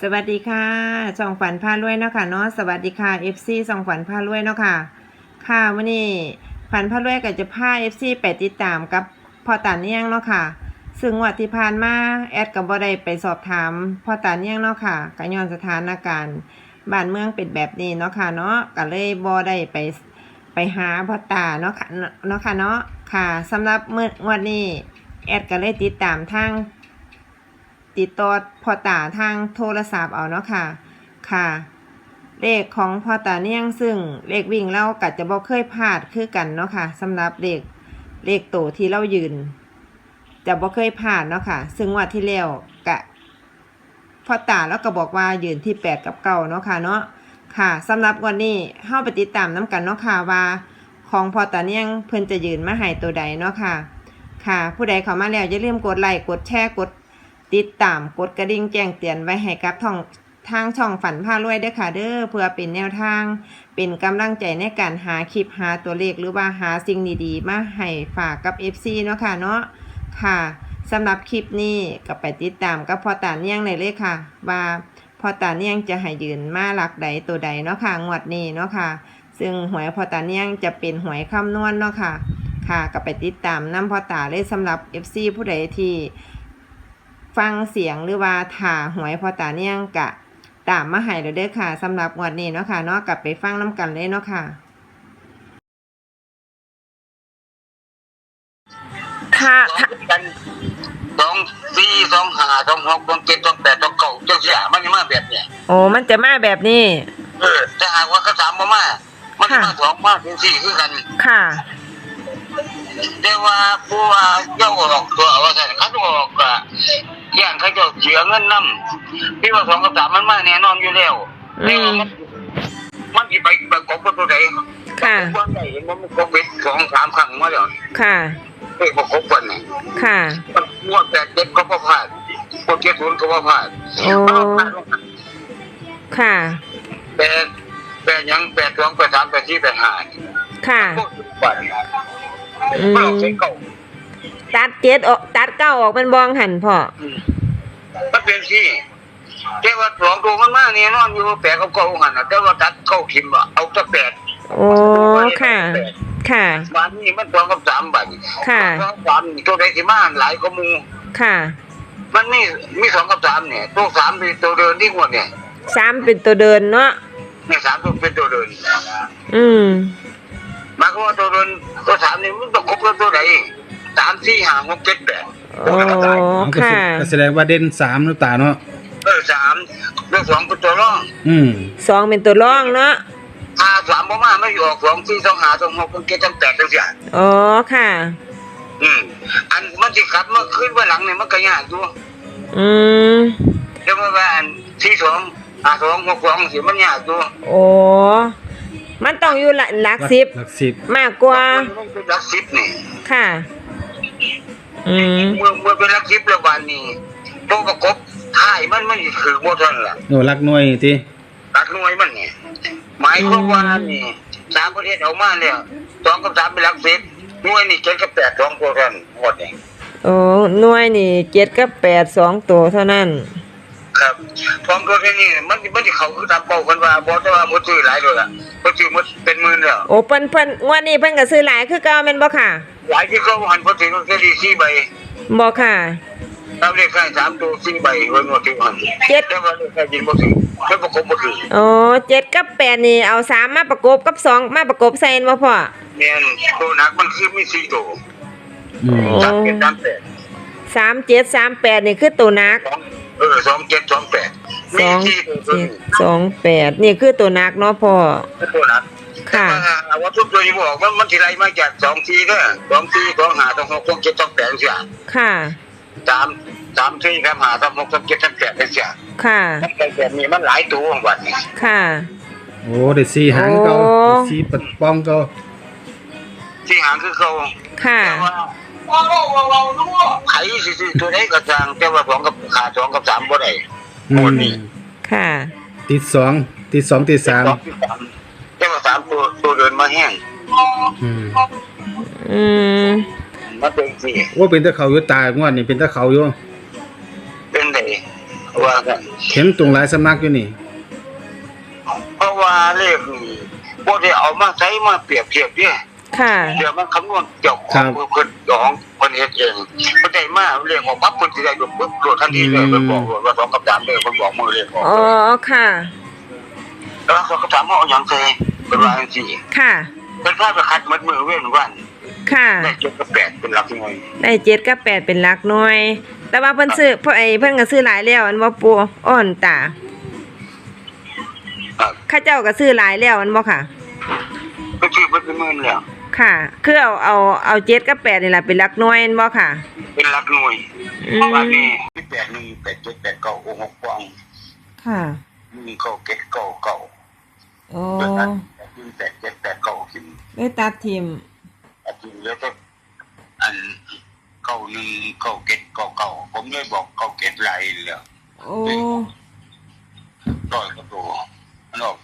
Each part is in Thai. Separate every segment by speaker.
Speaker 1: สวัสดีค่ะช่องฝันพารวยเนาะค่ะเนาะสวัสดีค่ะ FC ช่องฝันพารวยเนาะค่ะค่ะวันนี้ฝันพารวยก็จะพา FC ไปติดตามกับพ่อตาเนียงเนาะค่ะซึ่งวันที่ผ่านมาแอดก็บ่ได้ไปสอบถามพ่อตาเนียงเนาะค่ะก็ย้อนสถานการณ์บ้านเมืองเป็นแบบนี้เนาะค่ะเนาะก็เลยบ่ได้ไปหาพ่อตาเนาะค่ะเนาะค่ะสำหรับวันนี้แอดก็เลยติดตามทางติดต่อพ่อตาทางโทรศัพท์เอาเนาะค่ะค่ะเลขของพ่อตาเนียงซึ่งเลขวิ่งเราก็จะบ่เคยพลาดคือกันเนาะค่ะสำหรับเลขโตที่เรายืนจะบ่เคยพลาดเนาะค่ะซึ่งงวดที่แล้วกะพ่อตาแล้วก็บอกว่ายืนที่8กับ9เนาะค่ะเนาะค่ะสำหรับวันนี้เฮาไปติดตามนํกันเนาะค่ะว่าของพ่อตาเนียงเพิ่นจะยืนมาให้ตัวใดเนาะค่ะค่ะผู้ใดเข้ามาแล้วอย่าลืมกดไลค์กดแชร์กดติดตามกดกระดิ่งแจ้งเตือนไว้ให้กับทางช่องฝันพารวยด้วยค่ะเด้อเพื่อเป็นแนวทางเป็นกำลังใจในการหาคลิปหาตัวเลขหรือว่าหาสิ่งดีๆมาให้ฝากกับ FC เนาะค่ะเนาะค่ะสำหรับคลิปนี้ก็ไปติดตามกับพ่อตาเนียงเลยค่ะว่าพ่อตาเนียงจะให้ยืนมาหลักใดตัวใดเนาะค่ะงวดนี้เนาะค่ะซึ่งหวยพ่อตาเนียงจะเป็นหวยคำนวณเนาะค่ะค่ะก็ไปติดตามนำพ่อตาเลยสำหรับ FC ผู้ใดที่ฟังเสียงหรือว่าถ่าหวยพอตาเนียงกะตามมาให้เลยเด้อค่ะสำหรับงวดนี้เนาะค่ะเนาะกลับไปฟังน้ำกันเลยเนาะค่ะถ้า
Speaker 2: กัน2 4 2 5 2 6 2 7 2 8 2 9จังซี่มันสิมาแบบเนี้ย
Speaker 1: โอ้มันจะมาแบบนี้
Speaker 2: ถ้าหากว่าเขาถามบ่มามันมา2มาจังซี่คือกัน
Speaker 1: ค่ะ
Speaker 2: แต่ว่าผู้ว่าเจ้าออกตัวว่าซั่นเขาออกก็ย่างเขาเจ้าเสียเงินนำพี่ว่า2กับ3มันมาแน่นอนอยู่แล้วแต่ว่ามันสิไปประกบกับตัวใด
Speaker 1: ค่ะ
Speaker 2: บ่ได้เห็นมันก็เป็น2-3ครั้งมาแล้ว
Speaker 1: ค่ะ
Speaker 2: ประกบกันนี่
Speaker 1: ค่ะ
Speaker 2: งวด8-7ก็บ่พลาดงวด7-0ก็บ่พลาด
Speaker 1: โอ้ค่ะ
Speaker 2: แต่ยัง8-2 8-3 8-4 8-5
Speaker 1: ค่ะตัด7ออกตัด9ออกเป็นบองหันพ่อ
Speaker 2: มันเป็นที่แต่ว่า2ตัวมันมาแน่นอนอยู่8กับ9หั่นน่ะแต่ว่าตัด9ทิ่มเอาแต่8
Speaker 1: โอ้ค่ะค่ะ
Speaker 2: วันนี้มัน2กับ3บัด
Speaker 1: ค่ะ
Speaker 2: 3ตัวใดสิมาหลายกว่าหมู่
Speaker 1: ค่ะ
Speaker 2: มันมี2กับ3เนี่ยตัว3เป็นตัวเดินที่งวดเนี่ย
Speaker 1: 3เป็นตัวเดินเนาะ
Speaker 2: เนี่ย3ตัวเป็นตัวเดินหมายความว่าตัวเดินตัว3นี่มันต้องครบตัวใด3 4 5 6 7 8
Speaker 1: โอ้ค่ะ
Speaker 3: แสดงว่าเด่น3น้ำตาเนาะ
Speaker 2: 3แล้ว2เป็นตัวรอง
Speaker 1: 2เป็นตัวรองเนาะ
Speaker 2: 3บ่มาไม่ออก2 4 2 5 2 6 2 7 2 8จังซี่
Speaker 1: อ๋อค่ะ
Speaker 2: อันมันสิกลับมาขึ้นว่าหลังนี่มันก็ยากอยู่แต่ว่าอัน4 2 5 2 6 2สิมันยากอยู่
Speaker 1: โอ้มันต้องอยู่หลัก10มากกว่า
Speaker 2: หลัก10นี่
Speaker 1: ค่ะ
Speaker 2: เมื่อเป็นหลัก10แล้ววันนี้ตัวประกบท้ายมันคือบ่ทันล่ะ
Speaker 3: โอ้หลักหน่วยติ
Speaker 2: หลักหน่วยมันนี่หมายความว่านี่3ประเทศออกมาแล้ว2กับ3เป็นหลัก10หน่วยนี่7กับ8 2ตัวเท่านั้นหมดนี่
Speaker 1: โอ้หน่วยนี่7กับ8 2ตัวเท่านั้น
Speaker 2: ครับ2ตัวแค่นี้มันสิเข้าคือตามเป้ากันว่าบ่แต่ว่าบ่ซื้อหลายเลยล่ะบ่ซื้อหมดเป็นหมื่นแล้ว
Speaker 1: โอ้เพิ่นงวดนี้เพิ่นก็ซื้อหลายคือเก่าแม่นบ่ค่ะ
Speaker 2: หลายที่เขาหันบ่ถึงแค่4ใบ
Speaker 1: บ่ค่ะ
Speaker 2: ตามเลขท้าย3ตัว4ใบเพิ่นบ่ถึงหัน7แต่ว่าเลขท้ายจริงบ่ถึงเพิ่นประกบบ่ถึง
Speaker 1: อ๋อ7กับ8นี่เอา3มาประกบกับ2มาประกบใส่บ่พ่อ
Speaker 2: แม่นตัวหนักมันคือมี4ตัว
Speaker 1: 37 38นี่คือตัวหนัก
Speaker 2: 27 28มี
Speaker 1: 28นี่คือตัวหนักเนาะพ่อ
Speaker 2: ตัวหนักค่ะว่าทุกตัวที่บอกมันสิไล่มาจาก2 4เด้อ2 4 2 5 2 6 2 7 2 8จังซี่
Speaker 1: ค่ะ
Speaker 2: 3 4ครับ5 3 6 3 7 3 8จังซี่
Speaker 1: ค่ะ
Speaker 2: มันแบบนี้มันหลายตัวของบัดนี้
Speaker 1: ค่ะ
Speaker 3: โอ้ได้4หางเก่า4ปัดป้องเก่า
Speaker 2: 4หางคือเก่า
Speaker 1: ค่ะ
Speaker 2: ไผสิตัวใดก็จังแต่ว่า2กับขา2กับ3บ่ได้หมดนี่
Speaker 1: ค่ะ
Speaker 3: ติด2ติด2ติด3
Speaker 2: แต่ว่า3ตัวเดินมาแห้งมันเป็นสิ
Speaker 3: ว่าเป็นตะเขาอยู่ตายงวดนี่เป็นตะเขาอยู่
Speaker 2: เป็นไดโอ้ว่ากัน
Speaker 3: เห็นตรงหลายสำนักอยู่นี่
Speaker 2: เพราะว่าเลขนี่บ่ได้เอามาใช้มาเปรียบเทียบเนี่ย
Speaker 1: ค่ะ
Speaker 2: เดี๋ยวมันคำนวณเกี่ยวของเพิ่นของเพิ่นเฮ็ดเองเพิ่นได้มาเลขออกปั๊บเพิ่นสิได้ยกปึ๊บโหลดทันทีเลยเพิ่นบอกว่า2กับ3เลยเพิ่นบอกมือเลขออก
Speaker 1: อ๋อค่ะ
Speaker 2: แล้ว2กับ3เอาหยังใส่เพิ่นว่าจังซี่
Speaker 1: ค่ะ
Speaker 2: เพิ่นพาไปคัดมัดมือเว้นวัน
Speaker 1: ค่ะ
Speaker 2: ได้7กับ8เป็นหลักหน่วย
Speaker 1: ได้7กับ8เป็นหลักหน่วย แต่ว่าเพิ่นซื้อเพิ่นก็ซื้อหลายแล้วอันบ่ปูอ้อนตา
Speaker 2: ครับ
Speaker 1: ข้าเจ้าก็ซื้อหลายแล้วอันบ่ค่ะ
Speaker 2: เพิ่นชื่อเพิ่นเป็นหมื่นแล้ว
Speaker 1: ค่ะ คือเอา7กับ8นี่ล่ะเป็นหลักหน่วยอันบ่ค่ะ
Speaker 2: เป็นหลักหน่วย
Speaker 1: อืม
Speaker 2: เพราะว่านี่8 1 8 7 8 9 6 ปอง
Speaker 1: ค่ะ
Speaker 2: 1 9 7 9 9
Speaker 1: โอ้
Speaker 2: เดือนนั้น8 7 8 9ขึ้น
Speaker 1: ได้ตัดทิม
Speaker 2: อาทิตย์แล้วก็อัน91 97 99ผมเลยบอก97หลายแล้ว
Speaker 1: โอ้
Speaker 2: ร้อยกว่าตัวมันออก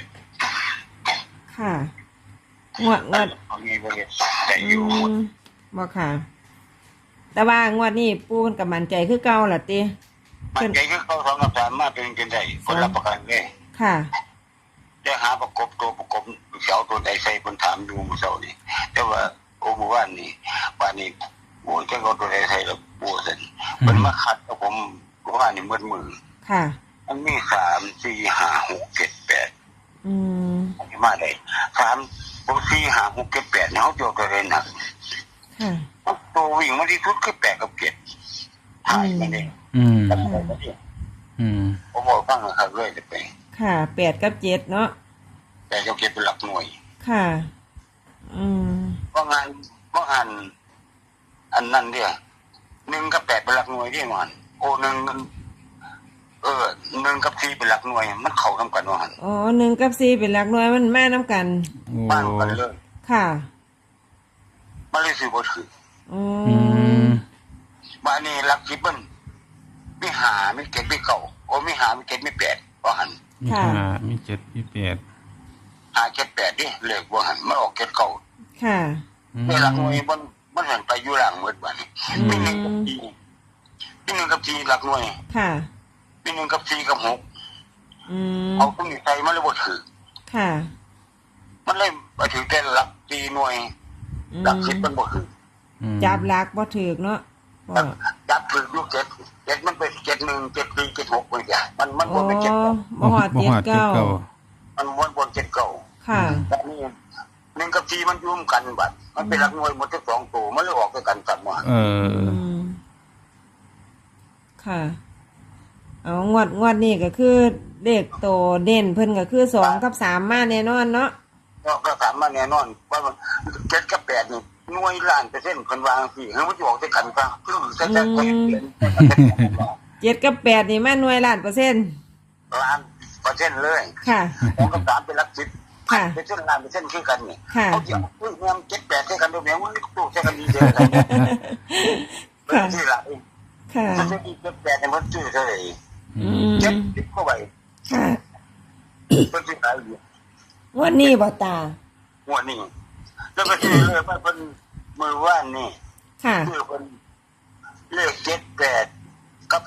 Speaker 2: 8
Speaker 1: ค่ะงวด
Speaker 2: เอางี้บ่เฮ็ดได้อยู่
Speaker 1: บ่ค่ะ แต่ว่างวดนี้ปูเพิ่นก็มั่นใจคือเก่าล่ะติ
Speaker 2: มันใจคือเขา2กับ3มาเป็นจังได๋คนรับประกันเลย
Speaker 1: ค่ะ
Speaker 2: ได้หาประกบตัวประกบเสาตัวใดใส่คนถามอยู่มื้อเช้านี่แต่ว่าโอ้เมื่อวานนี้โอ้ยจะเอาตัวใดใส่แล้วปวดซั่นมันมาขัดกับผมเมื่อวานนี่มืดมือ
Speaker 1: ค่ะ
Speaker 2: มันมี3 4 5 6 7 8
Speaker 1: อืม
Speaker 2: อันนี้มาได้3 4 5 6 7 8เนาะเจ้าตัวใดหนัก
Speaker 1: ค่ะ
Speaker 2: ตัววิ่งมาที่สุดคือ8กับ7ถ่ายมาเด้
Speaker 3: อืม
Speaker 2: ตั้งแต่ก็นี่
Speaker 3: อืม
Speaker 2: ผมบอกฟังนะครับเลยจะไป
Speaker 1: ค่ะ8กับ7เนาะ
Speaker 2: แต่เจ้าเก็บเป็นหลักหน่วย
Speaker 1: ค่ะ อืม
Speaker 2: ว่างานอันนั้นเด้อ1กับ8เป็นหลักหน่วยเด้มันโอ้1 1กับ4เป็นหลักหน่วยมันเข้านํกันว่าหั่น
Speaker 1: อ๋อ1กับ4เป็นหลักหน่วยมันมานํกัน
Speaker 3: โอ้
Speaker 2: บ้านกันเลย
Speaker 1: ค่ะ
Speaker 2: มันเลยสิบ่ถือ
Speaker 1: อื
Speaker 3: อื
Speaker 1: ม
Speaker 3: ม
Speaker 2: บ้านนี้หลัก10มันมี5มี7มี9โอ้มี5มี7มี8ว่าหั่น
Speaker 3: มีห้ามีเจ็ดมีแปด
Speaker 2: 5 7 8ดิเลขว่าหั่นมันออก7 9
Speaker 1: ค่ะ
Speaker 2: ในหลักหน่วยมันหันไปอยู่หลังหมดบัดนี้
Speaker 1: อืม
Speaker 2: มี1กับ4มี1กับ4หลักหน่วย
Speaker 1: ค่ะ
Speaker 2: มี1กับ4กับ6
Speaker 1: อืม
Speaker 2: เอาตรงนี้ใส่มันเลยบ่ถือ
Speaker 1: ค่ะ
Speaker 2: มันเลยบ่ถือแต่หลัก4หน่วย
Speaker 1: อืม
Speaker 2: หลัก10มันบ่ถือ
Speaker 1: จับหลักบ่ถูกเนาะบ่
Speaker 2: จับถือลูก7มันเป็น71 74 76ไปจ้ะมัน
Speaker 1: โอ้
Speaker 2: บ่เป็น7
Speaker 1: บ่ฮอด
Speaker 3: บ่ฮอดเจ็ดเก้า
Speaker 2: มันวน7 9
Speaker 1: ค่ะ
Speaker 2: แต่นี่1กับ4มันยุ่มกันบัดมันเป็นหลักหน่วยหมดทั้ง2ตัวมันเลยออกด้วยกันกลับมา
Speaker 3: เออ
Speaker 1: มค่ะ เอางวดนี้ก็คือเลขโตเด่นเพิ่นก็คือ2กับ3มาแน่นอนเนาะ
Speaker 2: ก็ถามมาแน่นอนว่ามัน7กับ8นี่หน่วยล้านเปอร์เซ็นต์เพิ่นว่าจังซี่ให้มันสิออกด้วยกันซะคือจะเพิ่นเปลี่ยน
Speaker 1: 7กับ8นี่มาหน่วยล้านเปอร์เซ็นต์
Speaker 2: ล้านเปอร์เซ็นต์เลย
Speaker 1: ค่ะ
Speaker 2: 2กับ3เป็นหลัก10
Speaker 1: ค่ะ
Speaker 2: เป็นเส้นล้านเปอร์เซ็นต์คือกันนี่
Speaker 1: ค่ะ
Speaker 2: เขาสิเอาอุ้ยแม่น7 8ให้กันเดี๋ยวแม่งมันตู้ใช้กันดีเด้อกันเป็นที่ละ
Speaker 1: ค่ะ
Speaker 2: ถ้าจะอีก7 8เนี่ยมันชื่อเท่าไหร่
Speaker 1: อืม
Speaker 2: 7เข้าไป
Speaker 1: ค่ะ
Speaker 2: เป็นที่ไหนอยู่
Speaker 1: งวดนี้บ่ตา
Speaker 2: หัวนี่แล้วก็ชื่อเลยว่าเพิ่นมือว่านนี่
Speaker 1: ค่ะ
Speaker 2: ชื่อเพิ่นเลข78กับ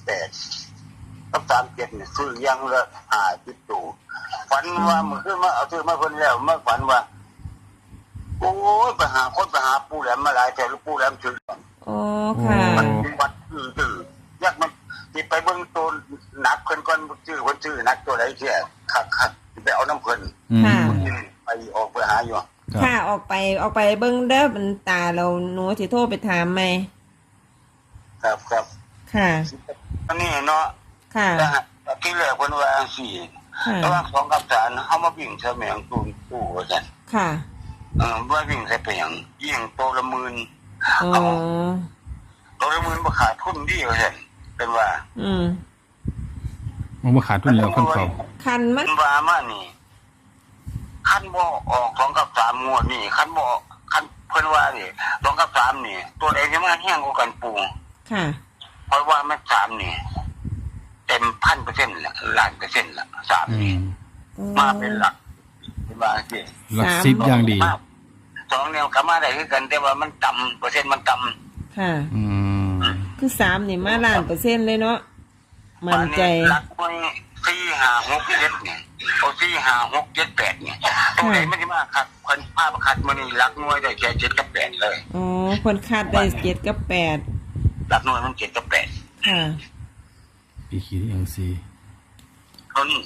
Speaker 2: 38กับ37นี่ซื้อยังละ50ตัวฝันว่ามื้อคืนมาเอาซื้อมาเพิ่นแล้วมาฝันว่าโอ้ยไปหาปู่แหลมมาหลายแต่ลูกปู่แหลมชื่อ
Speaker 1: อ๋อค่ะ
Speaker 2: มันวัดตื้อๆอยากมันสิไปเบิ่งตัวหนักเพิ่นก่อนชื่อเพิ่นชื่อหนักตัวใดเที่ยคักๆสิไปเอาน้ำเพิ่น
Speaker 3: อืม
Speaker 1: ค่ะ
Speaker 2: ไปออกไปหาอยู่
Speaker 3: ครับ
Speaker 1: ค่ะออกไปเบิ่งเด้อมันตาเราหนูสิโทรไปถามไหม
Speaker 2: ครับ
Speaker 1: ค่ะ
Speaker 2: อันนี้เนาะ
Speaker 1: ค่ะ
Speaker 2: นะฮะที่แรกเพิ่นว่าจังซี่
Speaker 1: ค่ะ
Speaker 2: ระหว่าง2กับ3เฮามาวิ่งเสมียงตู้ว่าซั่น
Speaker 1: ค่ะ
Speaker 2: ว่าวิ่งใส่ไปหยังยิงตัวละหมื่น
Speaker 1: อ๋อ
Speaker 2: ตัวละหมื่นบ่ขาดทุนดีว่าซั่นเป็นว่า
Speaker 1: อืม
Speaker 3: มันบ่ขาดทุนแล้วคนเขา
Speaker 1: คันมั
Speaker 2: มัน นว่ามานี่คันบ่ออก2กับ3งวดนี่คันบ่คันเพิ่นว่านี่2กับ3นี่ตัวใดจะมาแห้งกว่ากันปู
Speaker 1: ค่ะ
Speaker 2: เพราะว่ามัน3นี่เต็ม 1,000% ละล้านเปอร์เซ็นต์ละ3
Speaker 3: อื
Speaker 2: นี่
Speaker 3: ม
Speaker 2: มาเป็นหลักเป็นว่าสิ
Speaker 3: หลักสิบอย่างดี
Speaker 2: 2แนวก็มาได้คือกันแต่ว่ามันต่ำเปอร์เซ็นต์มันต่ำ
Speaker 1: ค่ะ
Speaker 3: อืม
Speaker 1: คือ3นี่มาล้านเปอร์เซ็นต์เลยเนาะมั่นใจ
Speaker 2: หลักไว้4 5 6 7เนี่ยเอา4 5 6 7 8เนี่ยตรงไหนมันจะมาครับคนภาพคัดมันนี่หลักหน่วยได้แค่7 กับ 8เลย
Speaker 1: อ๋อคนคาดได้7 กับ
Speaker 2: หลักหน่วยมัน7 กับ
Speaker 1: 8ค่ะ
Speaker 3: ปีขีดอย่างซี
Speaker 2: 8เท่านี้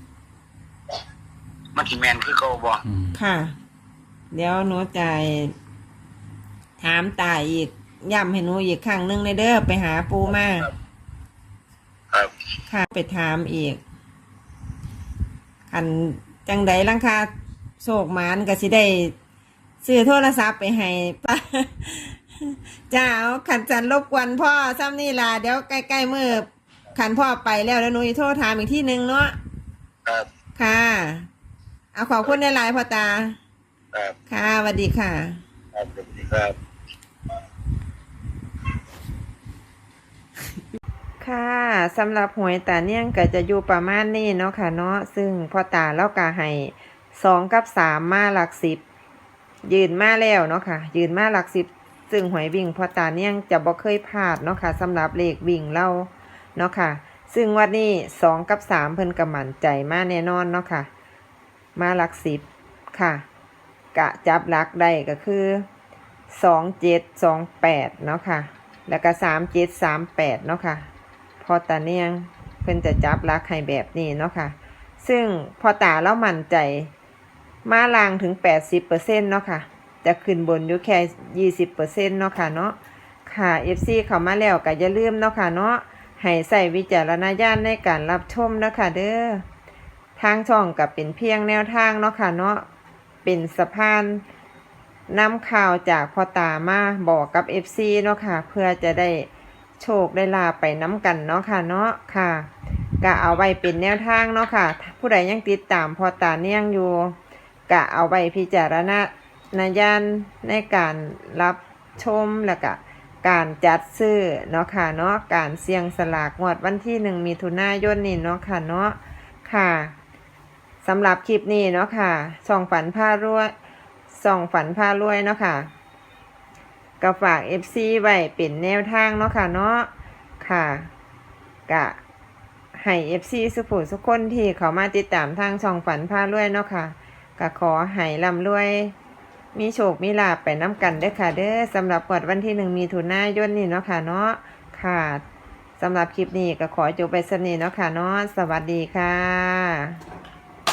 Speaker 2: มันสิแมนคือเก่าบ่
Speaker 1: ค่ะ เดี๋ยวหนูจะถามตาอีกย้ำให้หนูอีกครั้งหนึงในเด้อไปหาปูมา
Speaker 2: ครับ
Speaker 1: ค่ะไปถามอีกอันจังใดลังคาโศกหมานก็สิได้ซื้อโทรศัพท์ไปให้ ป้าจ้าเอาขันจันรบกวนพ่อซ้ำนี่ล่ะเดี๋ยวใกล้ๆมือขันพ่อไปแล้วเดี๋ยวหนูจะโทรถามอีกที่หนึ่งเนาะ
Speaker 2: ครับ
Speaker 1: ค่ะ เอาขอบคุณในไลน์พ่อตา
Speaker 2: ครับ
Speaker 1: ค่ะสวัสดีค่ะ
Speaker 2: ครับสวัสดีครับ
Speaker 1: ค่ะสำหรับหวยตาเนี่ยงก็จะอยู่ประมาณนี้เนาะค่ะเนาะซึ่งพ่อตาเล่ากาให้2 กับ 3มาหลัก10ยืนมาแล้วเนาะค่ะยืนมาหลัก10ซึ่งหวยวิ่งพ่อตาเนี่ยงจะบ่เคยพลาดเนาะค่ะสำหรับเลขวิ่งเราเนาะค่ะซึ่งวันนี้2 กับ 3เพิ่นก็มั่นใจมาแน่นอนเนาะค่ะมาหลัก10ค่ะกะจับหลักได้ก็คือ2728เนาะค่ะแล้วก็3738เนาะค่ะพอตาเนี่ยงเพิ่นจะจับหลักให้แบบนี้เนาะค่ะซึ่งพอตาแล้วมั่นใจมาลางถึง 80%เนาะค่ะจะขึ้นบนอยู่แค่ 20%เนาะค่ะเนาะค่ะ FC เข้ามาแล้วก็อย่าลืมเนาะค่ะเนาะให้ใส่วิจารณญาณในการรับชมเนาะค่ะเด้อทางช่องก็เป็นเพียงแนวทางเนาะค่ะเนาะเป็นสะพานนำข่าวจากพ่อตามาบอกกับ FC เนาะค่ะเพื่อจะได้โชคได้ลาไปน้ำกันเนาะค่ะเนาะค่ะก็เอาไว้เป็นแนวทางเนาะค่ะผู้ใดยังติดตามพ่อตาเนี่ยงอยู่ก็เอาไว้พิจารณญาณในการรับชมแล้วก็การจัดซื้อเนาะค่ะเนาะการเสี่ยงสลากงวดวันที่1 มิถุนายนนี้เนาะค่ะเนาะค่ะสำหรับคลิปนี้เนาะค่ะส่องฝันพารวยเนาะค่ะก็ฝาก FC ไว้เป็นแนวทางเนาะค่ะเนาะค่ะกะให้ FC สุกคนที่เขามาติดตามทางช่องฝันพารวยเนาะค่ะก็ขอให้ร่ำรวยมีโชคมีลาภไปน้ำกันเด้อค่ะเด้อสำหรับงวดวันที่1 มิถุนายนนี้เนาะค่ะเนาะค่ะสำหรับคลิปนี้ก็ขอจบไปสำนี้เนาะค่ะเนาะสวัสดีค่ะ